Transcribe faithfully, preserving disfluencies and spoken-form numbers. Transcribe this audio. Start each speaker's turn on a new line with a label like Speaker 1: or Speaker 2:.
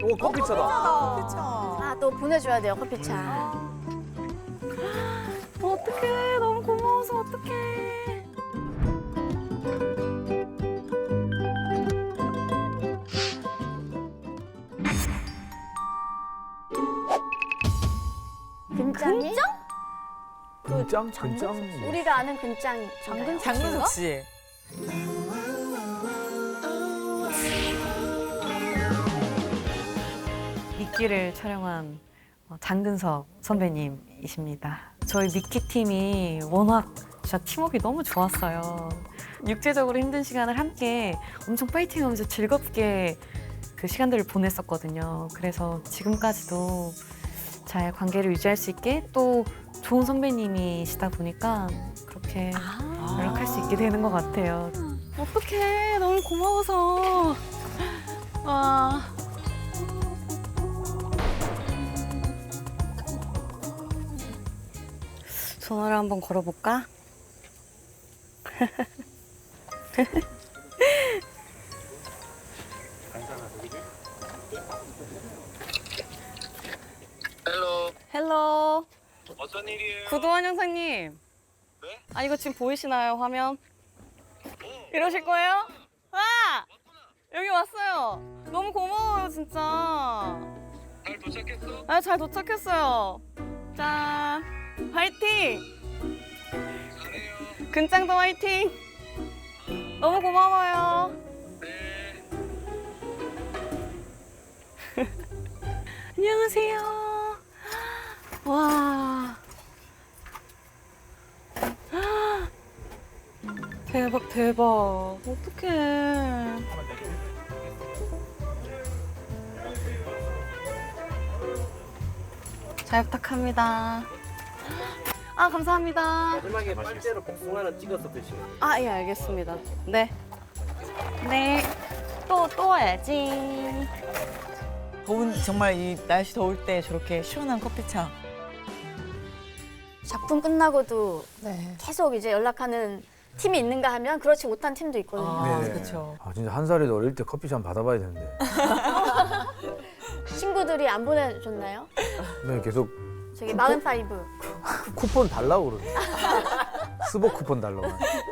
Speaker 1: 오, 커피차다.
Speaker 2: 아, 또 보내줘야 돼요, 커피차.
Speaker 3: 어떡해. 너무 고마워서 어떡해.
Speaker 2: 근짱이?
Speaker 1: 근짱? 근짱?
Speaker 2: 우리가 아는 근짱이. 장근
Speaker 4: 장근석 씨.
Speaker 3: 미끼를 촬영한 어, 장근석 선배님이십니다. 저희 미끼 팀이 워낙 진짜 팀워크가 너무 좋았어요. 육체적으로 힘든 시간을 함께 엄청 파이팅하면서 즐겁게 그 시간들을 보냈었거든요. 그래서 지금까지도 잘 관계를 유지할 수 있게 또 좋은 선배님이시다 보니까 그렇게 연락할 수 있게 되는 것 같아요. 어떡해. 너무 고마워서. 와. 전화를 한번 걸어볼까?
Speaker 5: 헬로.
Speaker 3: 헬로.
Speaker 5: 어떤 일이에요?
Speaker 3: 구도환 형사님.
Speaker 5: 네?
Speaker 3: 아, 이거 지금 보이시나요, 화면? 이러실 거예요? 아! 여기 왔어요. 너무 고마워요, 진짜.
Speaker 5: 잘 도착했어?
Speaker 3: 아, 잘 도착했어요. 짠. 화이팅!
Speaker 5: 잘해요.
Speaker 3: 근짱도 화이팅! 너무 고마워요.
Speaker 5: 네.
Speaker 3: 안녕하세요. 와. 대박, 대박. 어떡해. 잘 부탁합니다. 아, 감사합니다.
Speaker 6: 마지막에 빨대로 복숭아 하나 찍어서 드시면 돼요.
Speaker 3: 아, 예, 알겠습니다. 네. 네. 또, 또 와야지.
Speaker 4: 더운 정말 이 날씨 더울 때 저렇게 시원한 커피차.
Speaker 2: 작품 끝나고도 계속 이제 연락하는 팀이 있는가 하면 그렇지 못한 팀도 있거든요.
Speaker 4: 아,
Speaker 1: 네네.
Speaker 4: 그렇죠.
Speaker 1: 아, 진짜 한 살에도 어릴 때 커피차 한번 받아봐야 되는데.
Speaker 2: 친구들이 안 보내줬나요?
Speaker 1: 네, 계속
Speaker 2: 저기 마흔파이브.
Speaker 1: 쿠폰 달라고 그러네. 스보 쿠폰 달라고.